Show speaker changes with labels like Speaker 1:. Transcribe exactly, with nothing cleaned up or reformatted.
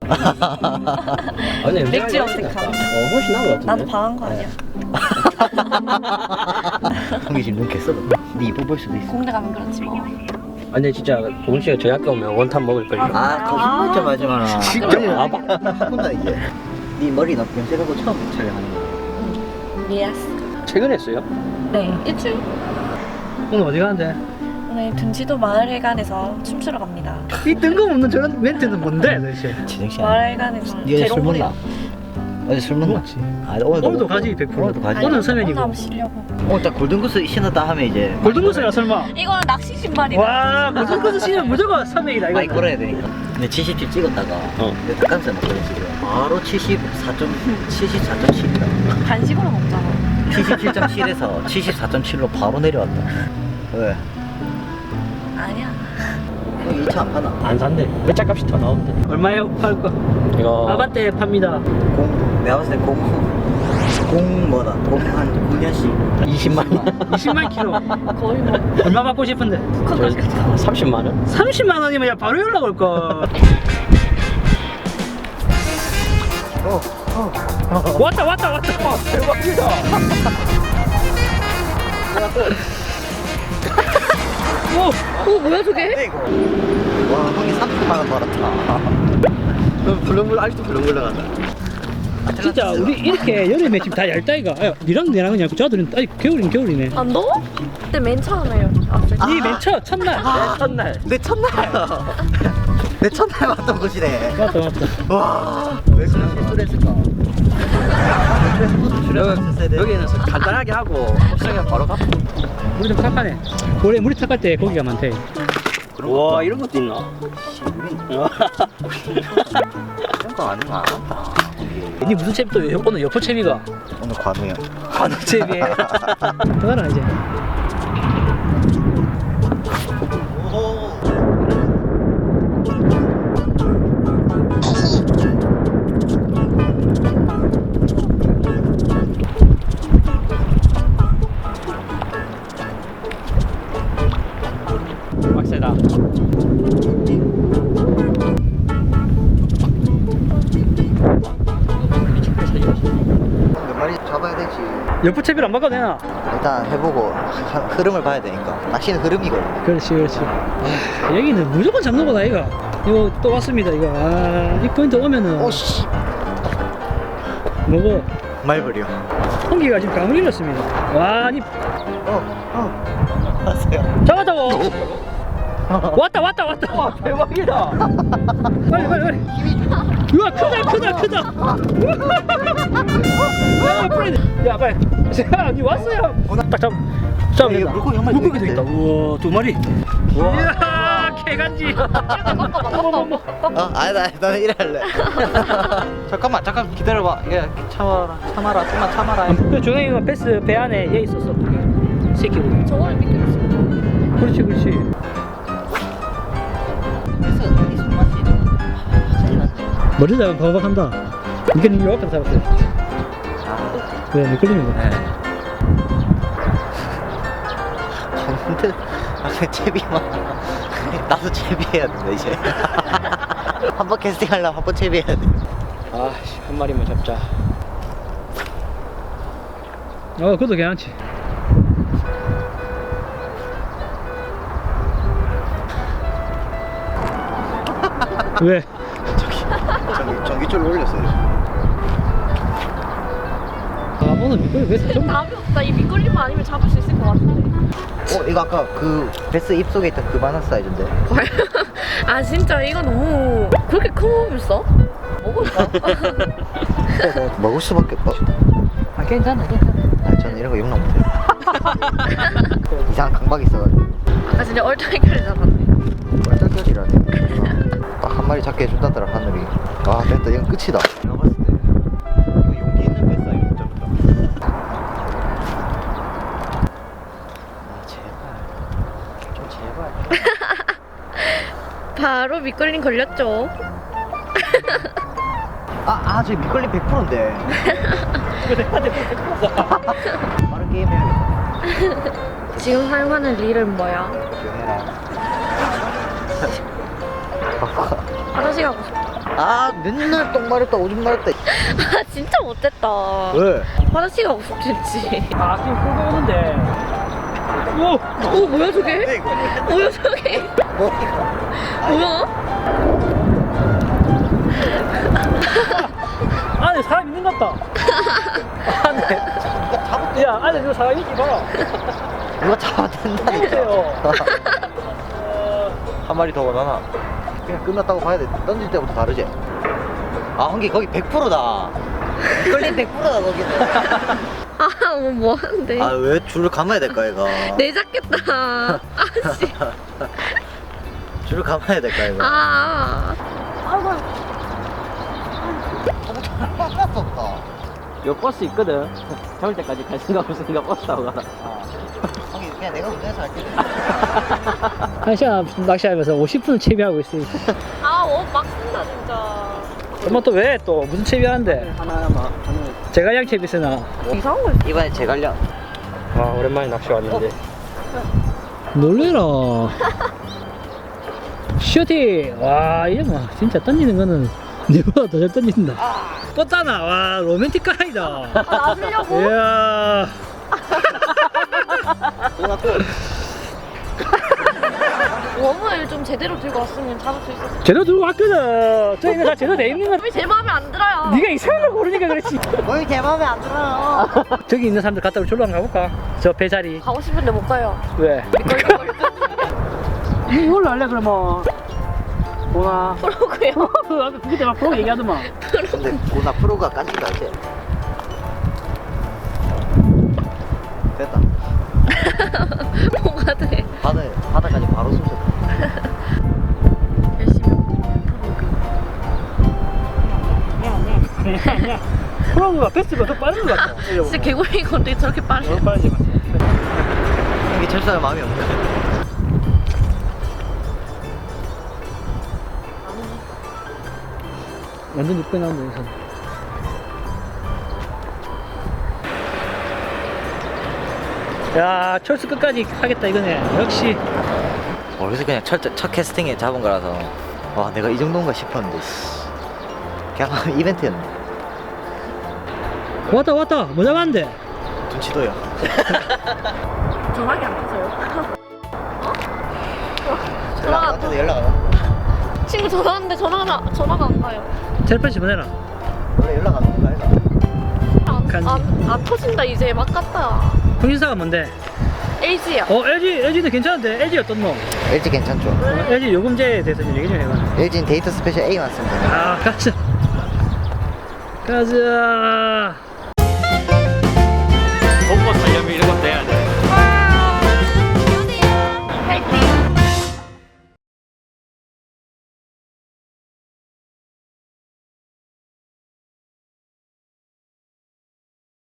Speaker 1: 아니
Speaker 2: 맥주 염색하고.
Speaker 1: 어 훨씬 나은 것 같은데.
Speaker 2: 나도 방한 거 아니야?
Speaker 3: 호기심 눈 깼어. 네 이뻐 보일 수도 있어.
Speaker 2: 공대 가면 그렇지 뭐.
Speaker 1: 아니 진짜 보은 씨가 저희 학교 오면 원탑 먹을 걸요.
Speaker 3: 아 거짓말 좀 하지 마라.
Speaker 1: 진짜 와봐.
Speaker 3: 한번다 이제. 네 머리 나 염색하고 처음 촬영하는 거.
Speaker 2: 예스.
Speaker 1: 최근에 했어요?
Speaker 2: 네. 일주일.
Speaker 4: 오늘 어디 가는데?
Speaker 2: 오늘 등지도 마을회관에서 춤추러 갑니다.
Speaker 4: 이 뜬금없는 저런 멘트는 뭔데 도대체?
Speaker 3: 지정 씨.
Speaker 2: 마을회관에서
Speaker 3: 네가 술
Speaker 2: 대롱불이.
Speaker 3: 먹나? 어제 술 먹나?
Speaker 4: 먹었지.
Speaker 3: 아 오늘도
Speaker 4: 오늘도
Speaker 3: 먹고.
Speaker 4: 가지 백 퍼센트.
Speaker 3: 오늘도 가지.
Speaker 4: 오늘 서면이고.
Speaker 2: 한번 쉬려고.
Speaker 3: 오늘 딱 골든구스 신었다 하면 이제.
Speaker 4: 골든구스야 설마?
Speaker 2: 이거는 낚시 신발이다.
Speaker 4: 와 골든구스 신으면 무조건 서면이다
Speaker 3: 많이
Speaker 4: 이거.
Speaker 3: 걸어야 되니까. 근데 칠십칠 찍었다가
Speaker 1: 어.
Speaker 3: 내 닭가슴살 먹거든 지금. 바로 칠십사 점 칠십사 점 칠이다.
Speaker 2: 간식으로 먹잖아.
Speaker 3: 칠십칠 점 칠에서 칠십사 점 칠로 바로 내려왔다. 왜?
Speaker 2: 아니야.
Speaker 3: 여기 이 차 안 파나?
Speaker 1: 안 산대. 외짝값이 더 나온대.
Speaker 4: 얼마에 팔 거?
Speaker 1: 이거
Speaker 4: 아반떼 팝니다.
Speaker 3: 공 내가 봤을 때 공, 공 뭐다? 공한 구 년씩
Speaker 1: 이십만 원.
Speaker 4: 이십만 킬로.
Speaker 2: 거의 뭐
Speaker 4: 얼마 받고 싶은데?
Speaker 2: 북한까지 갔다.
Speaker 1: 삼십만 원?
Speaker 4: 삼십만 원이면 야 바로 연락 올 거.
Speaker 3: 어, 어.
Speaker 4: 왔다 왔다 왔다.
Speaker 1: 대박이다.
Speaker 4: 오.
Speaker 2: 오 뭐야 저게?
Speaker 3: 네, 이거. 와, 형이 삼십만 원 벌었다.
Speaker 1: 너 불렁불렁 아직도 불렁불렁하다.
Speaker 4: 진짜 우리 이렇게 여름에 지금 다 얇다이가. 야, 니랑 내랑은 얇고 저들은 아직 겨울이면 겨울이네.
Speaker 2: 안 더워? 그때 맨 처음에 왔을 때.
Speaker 4: 니 맨 첫 첫날.
Speaker 1: 내 첫날.
Speaker 3: 내 첫날. 내 첫날 왔던 곳이네.
Speaker 4: 맞다 맞다.
Speaker 3: 와, 왜 그런 실수를 했을까?
Speaker 1: 여기, 여기는 간단하게 하고 시작에 바로 가.
Speaker 4: 물이 좀 탁하네. 원래 물이 탁할 때 고기가 많대.
Speaker 1: 와 이런 것도 있나?
Speaker 3: 이런 거 아니면 안 한다.
Speaker 4: 니 무슨 채비 또 여- 오늘 여포 채비가?
Speaker 3: 오늘 관우야.
Speaker 4: 관우 채비. 들어가라 이제.
Speaker 1: 빡세다.
Speaker 3: 몇 마리 잡아야 되지.
Speaker 4: 여포 채비를 안 바꿔도 되나?
Speaker 3: 일단 해보고 하- 흐름을 봐야 되니까. 낚시는 흐름이거든.
Speaker 4: 그렇지 그렇지. 아, 여기는 무조건 잡는 거다 이거. 이거 또 왔습니다 이거. 아, 이 포인트 오면은
Speaker 3: 오씨.
Speaker 4: 뭐고?
Speaker 3: 말벌이요.
Speaker 4: 홍기가 지금 감을 잃었습니다. 와, 아니
Speaker 3: 어, 어. 알았어요.
Speaker 4: 잡았다고. 왔다 왔다 왔다.
Speaker 1: 와 대박이다.
Speaker 4: 빨리 빨리 빨리. 우와 크다 크다 크다. 야 빨리. 야 빨리. 야, 니 왔어요. 딱 잡. 잡.
Speaker 3: 이게 물고기 한 마리 더
Speaker 4: 물고기도 있다.
Speaker 3: 있는데?
Speaker 4: 우와 두 마리. 이야 개간지.
Speaker 3: 어, 아니다, 나는 이래 할래. 잠깐만, 잠깐 기다려봐. 예, 참아라, 참아라, 좀만 참아라.
Speaker 4: 그 종영이가 베스 배 안에 얘 있었어. 새끼 고기.
Speaker 2: 저거를 믿고 있어.
Speaker 4: 그렇지 그렇지.
Speaker 3: 그래서 이 손맛이 하지 않네.
Speaker 4: 머리 잡으면 바박한다. 이게 니 앞에서 잡았어요.
Speaker 3: 아,
Speaker 4: 왜 미끌리는 거?
Speaker 3: 네. 근데 아, 채비만 나도 채비해야 된다 이제. 한 번 캐스팅 하려면 한 번 채비해야 돼.
Speaker 1: 아씨 한 마리만 잡자.
Speaker 4: 어 그것도 괜찮지. 왜?
Speaker 3: 전기 전기줄로 올렸어요.
Speaker 4: 아 오늘 미끌리 왜 사정?
Speaker 2: 답이 없다. 이 미끌리만 아니면 잡을 수 있을 것 같은데.
Speaker 3: 어, 이거 아까 그 베스 입속에 있던 그만한 사이즈인데.
Speaker 2: 아 진짜 이거 너무 그렇게 큰 몸을 써? 먹을까?
Speaker 3: 먹을 수밖에 없어.
Speaker 4: 아 괜찮아 괜찮아.
Speaker 3: 아, 저는 이런 거 용납 못해요. 이상한 강박이 있어가지고.
Speaker 2: 아까 진짜 얼떨결에 잡았네.
Speaker 3: 뻘짝거리라네. 딱 한 마리 잡게 해준다더라 하늘이. 아 됐다, 이건 끝이다. 내가 봤을 때 이거 용기 있는 뱃사 이거 잡다. 아 제발 좀 제발.
Speaker 2: 바로 미끌림 걸렸죠.
Speaker 3: 아아 저 미끌림 백 퍼센트인데. 빠른 게임 해야겠다.
Speaker 2: 지금 사용하는 릴은 뭐야?
Speaker 3: 조용해라.
Speaker 2: 화장실 가고 싶어.
Speaker 3: 아 맨날 똥 마렵다 오줌 마렵다.
Speaker 2: 아 진짜 못됐다.
Speaker 3: 왜?
Speaker 2: 화장실 가고 싶겠지.
Speaker 4: 아 지금 끌고 오는데. 오!
Speaker 2: 어 뭐야 저게? 뭐야 저게? 뭐야?
Speaker 4: 안에 사람 있는 것 같다. 안에. 야 안에 저 사람 있지 봐.
Speaker 3: 누가 잡아댄다니까.
Speaker 4: 해보세요.
Speaker 3: 한 마리 더 원하나? 그냥 끝났다고 봐야 돼. 던질 때부터 다르지? 아 한기 거기 백 퍼센트다. 끌린 백 퍼센트다 거기는.
Speaker 2: 아뭐 뭐 하는데?
Speaker 3: 아 왜 줄을 감아야 될까 얘가?
Speaker 2: 내 잡겠다. 아씨.
Speaker 3: 줄을 감아야 될까 얘가?
Speaker 2: 아.
Speaker 3: 하나도 없다.
Speaker 1: 요 버스 있거든. 잡을 때까지 갈 생각 없으니까 버스 타고 가라.
Speaker 3: 형이 그냥 내가 운전해서 할게.
Speaker 4: 한 시간 낚시하면서 오십 분을 채비하고 있어요.
Speaker 2: 아옷막 쓴다 진짜.
Speaker 4: 엄마 또 왜 또 무슨 채비하는데?
Speaker 1: 하나만 하나.
Speaker 4: 제갈량 채비 쓰나?
Speaker 2: 이상한 거 있어.
Speaker 3: 이번에 제갈량.
Speaker 1: 와 오랜만에 낚시 왔는데.
Speaker 4: 놀래라. 슈팅! 와, 이게 뭐, 진짜 던지는 거는 내보다 더 잘 던진다. 뻗다나, 와, 로맨틱 가이다.
Speaker 2: 아 놔주려고?
Speaker 4: 이야.
Speaker 2: 웜을 좀 제대로 들고 왔으면 잡을 수 있었어.
Speaker 4: 제대로 들고 왔거든. 저 이거 다 제대로 돼 있는 거.
Speaker 2: 왜 제 마음에 안 들어요?
Speaker 4: 네가 이상한 걸 고르니까 그렇지.
Speaker 3: 거의 제 마음에 안 들어요.
Speaker 4: 저기 있는 사람들 갔다 우리 졸로 한번 가볼까? 저 배 자리.
Speaker 2: 가고 싶은데 못 가요.
Speaker 4: 왜?
Speaker 2: 미끌미끌
Speaker 4: 이걸로 할래, 그러면? 보나?
Speaker 2: 그러고요.
Speaker 4: 그 아까 그때 막 프로 얘기하더만.
Speaker 3: 근데 고나 프로가 깐지가 않지. 됐다.
Speaker 2: 뭐가 돼?
Speaker 3: 바다 바다까지 바로 숨졌다.
Speaker 2: 열심히
Speaker 4: 프로가 패스가 더 빠른 것 같아.
Speaker 2: 진짜 개구리 건데 저렇게 빠르
Speaker 4: 더 빠르지.
Speaker 3: 이게 철사가 마음이 없네.
Speaker 4: 완전 이쁘게 나온다, 여기서. 야, 철수 끝까지 하겠다, 이거네. 역시.
Speaker 3: 어, 그래서 그냥 첫, 첫 캐스팅에 잡은 거라서 와 내가 이 정도인가 싶었는데 씨. 그냥 이벤트였네.
Speaker 4: 왔다, 왔다. 뭐 잡았는데?
Speaker 3: 눈치도요.
Speaker 2: 전화기 안 타세요?
Speaker 3: 연락 안 와도 연락 안 와.
Speaker 2: 친구 전화 왔는데 전화가 전화가 안 가요.
Speaker 4: 텔레파시 보내라.
Speaker 3: 원래 연락 안 오는 거 아이가?
Speaker 2: 안,
Speaker 4: 간지.
Speaker 2: 안, 안 터진다 이제 막 갔다.
Speaker 4: 통신사가 뭔데?
Speaker 2: 엘지야.
Speaker 4: 어, 엘지, 엘지도 괜찮은데? 엘지 어떤 놈?
Speaker 3: 엘지 괜찮죠?
Speaker 4: 어, 엘지 요금제에 대해서 좀 얘기 좀 해봐.
Speaker 3: 엘지는 데이터 스페셜 A 맞습니다.
Speaker 4: 아, 가자. 가자.